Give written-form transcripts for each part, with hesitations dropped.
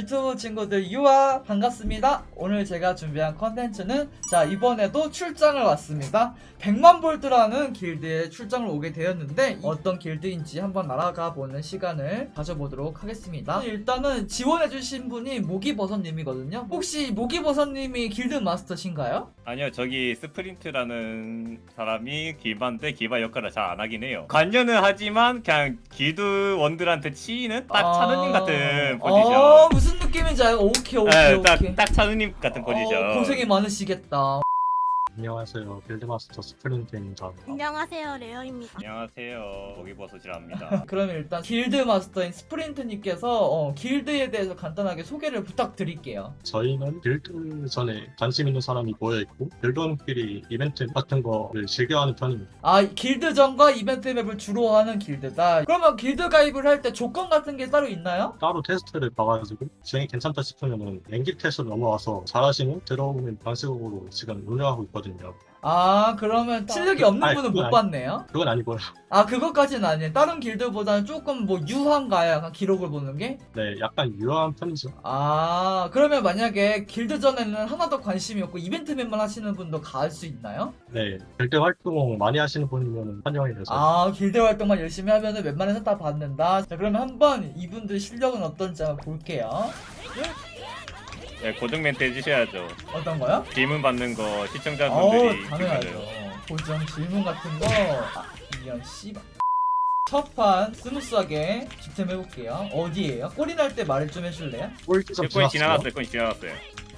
유튜브 친구들 유아 반갑습니다. 오늘 제가 준비한 컨텐츠는 자 이번에도 출장을 왔습니다. 100만 볼트라는 길드에 출장을 오게 되었는데 어떤 길드인지 한번 알아가 보는 시간을 가져보도록 하겠습니다. 일단은 지원해주신 분이 모기버섯님이거든요. 혹시 모기버섯님이 길드 마스터신가요? 아니요, 저기 스프린트라는 사람이 길바인데 길바 역할을 잘 안 하긴 해요. 관여는 하지만 그냥 길드원들한테 치이는 딱 차느님 같은 포지션. 무슨 느낌인지 알고. 오케이. 네, 딱 차느님 같은 포지션. 고생이 많으시겠다. 안녕하세요. 빌드마스터 스프린트입니다. 안녕하세요, 레어입니다. 안녕하세요, 모기버섯이랍니다. 그러면 일단 길드 마스터인 스프린트님께서 길드에 대해서 간단하게 소개를 부탁드릴게요. 저희는 빌드 전에 관심 있는 사람이 모여있고 빌드원끼리 이벤트 같은 거를 즐겨하는 편입니다. 아, 길드전과 이벤트 맵을 주로 하는 길드다. 그러면 길드 가입을 할 때 조건 같은 게 따로 있나요? 따로 테스트를 봐가지고 진행이 괜찮다 싶으면 랭기 테스트로 넘어와서 잘하시면 들어오는 방식으로 지금 운영하고 있거든요. 아, 그러면 실력이 없는 아니, 분은 그건 못 받네요? 그건 아니고요. 아, 그것까지는 아니에요. 다른 길드보다는 조금 뭐 유한가요? 약간 기록을 보는 게? 네, 약간 유효한 편이죠. 아, 그러면 만약에 길드전에는 하나도 관심이 없고 이벤트 맵만 하시는 분도 갈 수 있나요? 네, 빌드 활동 많이 하시는 분이면 환영이 되죠. 아, 길드 활동만 열심히 하면은 웬만해서 다 받는다. 자, 그러면 한번 이분들 실력은 어떤지 한번 볼게요. 네, 고정 멘트 해주셔야죠. 어떤 거요? 질문 받는 거 시청자분들이 당연하죠. 기다려요. 고정 질문 같은 거. 이런 씨발. 첫판 스무스하게 집템 해볼게요. 어디에요? 꼬리 날 때 말을 좀 해줄래요? 꼴찌점 거의 지났어요. 지나갔어요.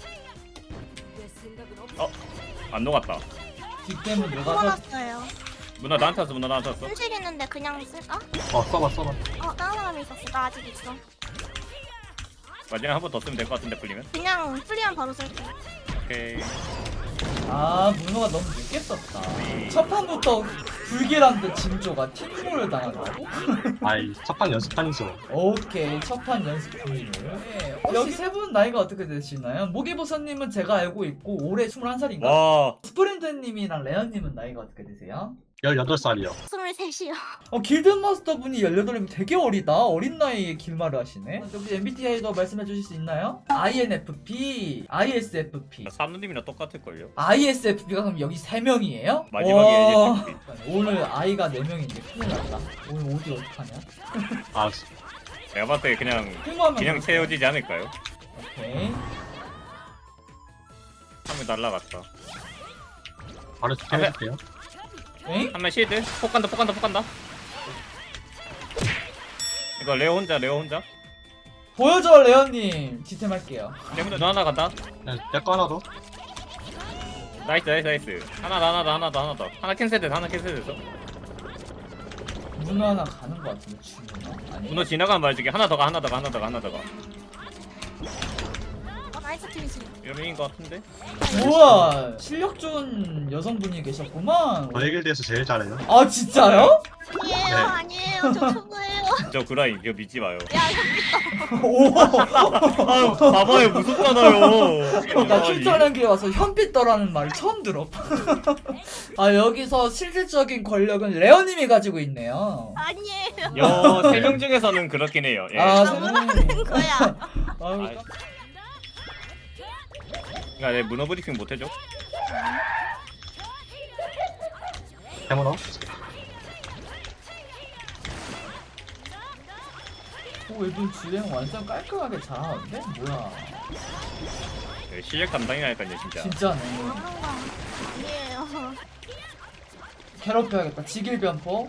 안 녹았다. 뒷템은 누가 서 뽑아놨어요. 문화 나한테 왔어, 문화 나한테 왔어. 현실 있는데 그냥 쓸까? 써봐. 다른 사람이 있었어. 나 아직 있어. 마지막 한 번 더 쓰면 될 것 같은데 풀리면. 그냥 풀리면 바로 쓸게. 오케이. 아, 문호가 너무 늦게 썼다. 첫 판부터 불길한데 징조가 팀몰을 당한다고? 아이, 첫판 연습판이죠. 오케이, 첫판 연습 중이에요. 네, 여기 세 분 나이가 어떻게 되시나요? 모기버섯님은 제가 알고 있고 올해 21살인가? 와, 스프린트님이랑 레언님은 나이가 어떻게 되세요? 18살이요. 23이요. 길드마스터 분이 18이면 되게 어리다. 어린 나이에 길말을 하시네. 여기 MBTI도 말씀해 주실 수 있나요? INFP, ISFP. 사누님이랑 똑같을걸요? ISFP가 그럼 여기 3명이에요? 마지막에 오늘 I가 4명인데 큰일 났다. 오늘 어디 어떡하냐? 아, 제가 봤을 때 그냥 통과하면 채워지지 않을까요? 오케이. 한 명 날라갔다. 바로 해줄게요. 엥? 한 명 실드? 폭 간다. 이거 레오 혼자. 보여줘 레언님. 지템 할게요. 내문에 너 하나 간다. 네, 내거 하나 더. 나이스. 하나 더. 하나 캔슬됐어. 문어 하나 가는 것 같은데 주문어? 아니. 문어 지나가면 말해줄게. 하나 더 가. 나이스 팀이지. 여름인 것 같은데? 우와, 실력 좋은 여성분이 계셨구만. 저희 길드에서 제일 잘해요. 아 진짜요? 아니에요. 저 초보예요. 저 그라인 이거 믿지 마요. 야, 오. 아유 봐봐요 무섭잖아요. 나 출전한 길에 와서 현빛더라는 말을 처음 들어. 아 여기서 실질적인 권력은 레어님이 가지고 있네요. 아니에요. 여 3명 중에서는 그렇긴 해요. 예. 아 하는 거야. 아유, 아이. 그러니까 내 문어 브리핑 못 해줘. 해문어? 얘도 주행 완전 깔끔하게 잘하는데? 뭐야? 예, 실력 담당이라니까요 진짜. 진짜네. 하는 거 아니에요. 괴롭혀야겠다. 직일변포.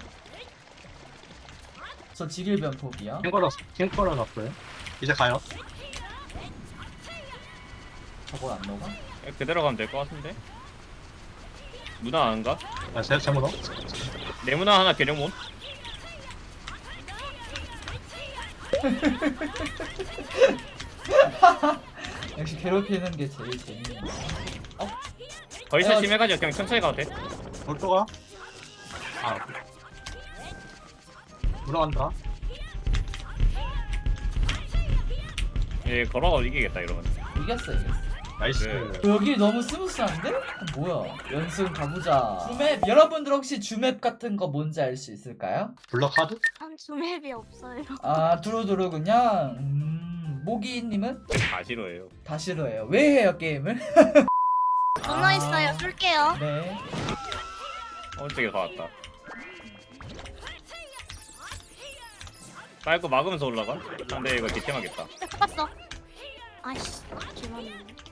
저 직일변포기야. 킹거러 났어요. 이제 가요. 저걸 안 녹아? 예, 그대로 가면 될 것 같은데. 문어 안 가? 아, 세문어? 내 문어 하나 계룡몬. 역시 괴롭히는 게 제일 재밌네. 거의 다 심해가지고 그냥 천천히 가도 돼. 돌도가? 아, 물어간다. 예, 걸어가 이기겠다 이러면. 이겼어. 나이스. 네. 여기 너무 스무스한데? 뭐야? 연승 가보자. 주맵 여러분들 혹시 주맵 같은 거 뭔지 알 수 있을까요? 블럭 하드? 한 주맵이 없어요. 아 두루두루 그냥. 모기님은 다 싫어해요. 다 싫어해요. 왜 해요 게임을? 전화 있어요. 쏠게요. 네. 저기 다 왔다. 빨고 막으면서 올라가? 근데 이거 뒷템하겠다. 뽑았어. 아이씨. 기만이네.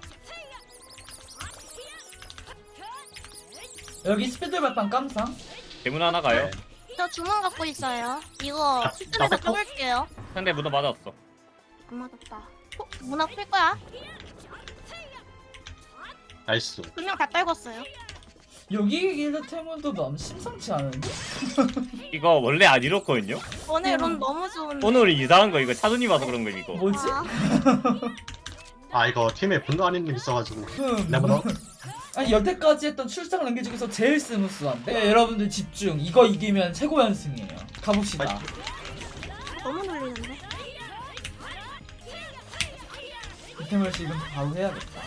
여기 스피드 발판 깜상. 대문 하나 가요. 저 주문 갖고 있어요. 이거 실전에서 나 써볼게요. 상대 문어 맞았어. 안 맞았다. 문화 풀 거야? 나이스. 2명 다 떨궜어요. 여기 길드 테문도 너무 심상치 않은데? 이거 원래 안 이렇거든요? 오늘 론 너무 좋은데. 오늘 이상한 거 이거 차순이 와서 그런 거 이거. 뭐지? 아 이거 팀에 분노 아닌님 있어가지고. 흠. 레모너. 아니 여태까지 했던 출장 랭귀 중에서 제일 스무스한데? 네, 여러분들 집중. 이거 이기면 최고 연승이에요. 가봅시다. 너무 놀리는데. 이템을 지금 바로 해야겠다.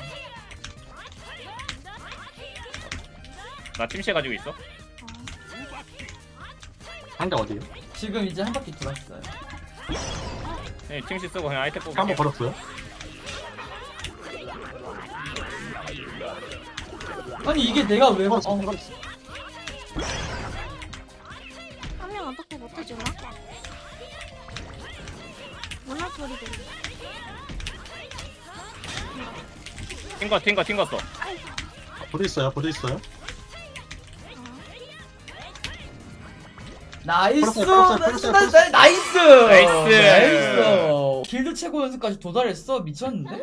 나 팀시에 가지고 있어. 상대 어디에요? 지금 이제 한 바퀴 돌았어요. 네, 팀시 쓰고 그냥 아이템 뽑을게. 한번 걸었어요? 아니 이게 내가 왜 걸었어. 어, 걸었어. 한 명 어떻게 못해주나? 문화 소리 들리. 튕겼어. 보도 있어요. 보도 있어요. 나이스! 풀었어요. 나이스! 나이스! 길드 최고 연승까지 도달했어? 미쳤는데?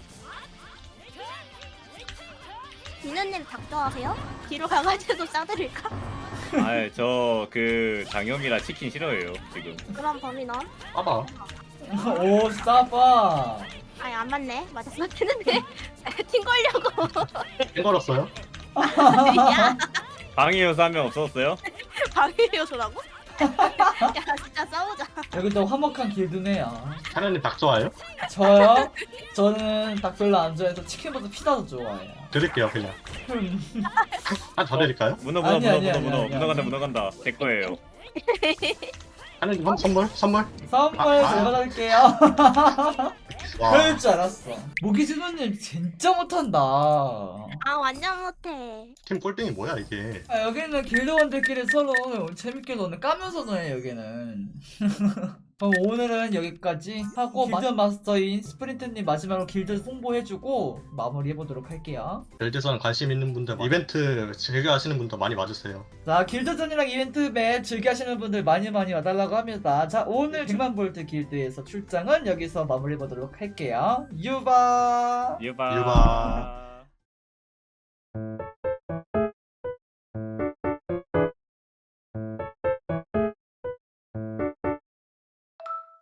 비누님 닭 좋아하세요? 뒤로 가가지고 싸드릴까? 저 그 장염이라 치킨 싫어해요 지금. 그럼 범인 넌? 봐봐. 오 싸봐. 아니 안 맞네. 맞았으면 되는데. 팀 걸려고. 땡 걸었어요. 야 방해 요소 한 명 없었어요? 방해 요소라고? 야 진짜 싸우자. 여기도 화목한 길드네요. 하나님 닭 좋아해요? 저요? 저는 닭 별로 안 좋아해서 치킨보다 피자 더 좋아해요. 드릴게요 그냥. 한 더 드릴까요? 문어 아니, 아니, 아니, 문어 간다. 제 거예요. 하나님 선물. 선물 아. 제가 받을게요. 와. 그럴 줄 알았어. 모기수노님 진짜 못한다. 아 완전 못해. 팀 꼴등이 뭐야 이게? 아, 여기는 길드원들끼리 서로 재밌게 노는 까면서 노네 여기는. 그럼 오늘은 여기까지 하고 길드 마스터인 스프린트님 마지막으로 길드 홍보해주고 마무리해보도록 할게요. 벨드선 관심 있는 분들 이벤트 즐겨 하시는 분들 많이 와주세요. 자 길드전이랑 이벤트 맵 즐겨하시는 분들 많이 와달라고 합니다. 자 오늘 100만 볼트 길드에서 출장은 여기서 마무리해보도록 할게요. 유바. 유바. 유바.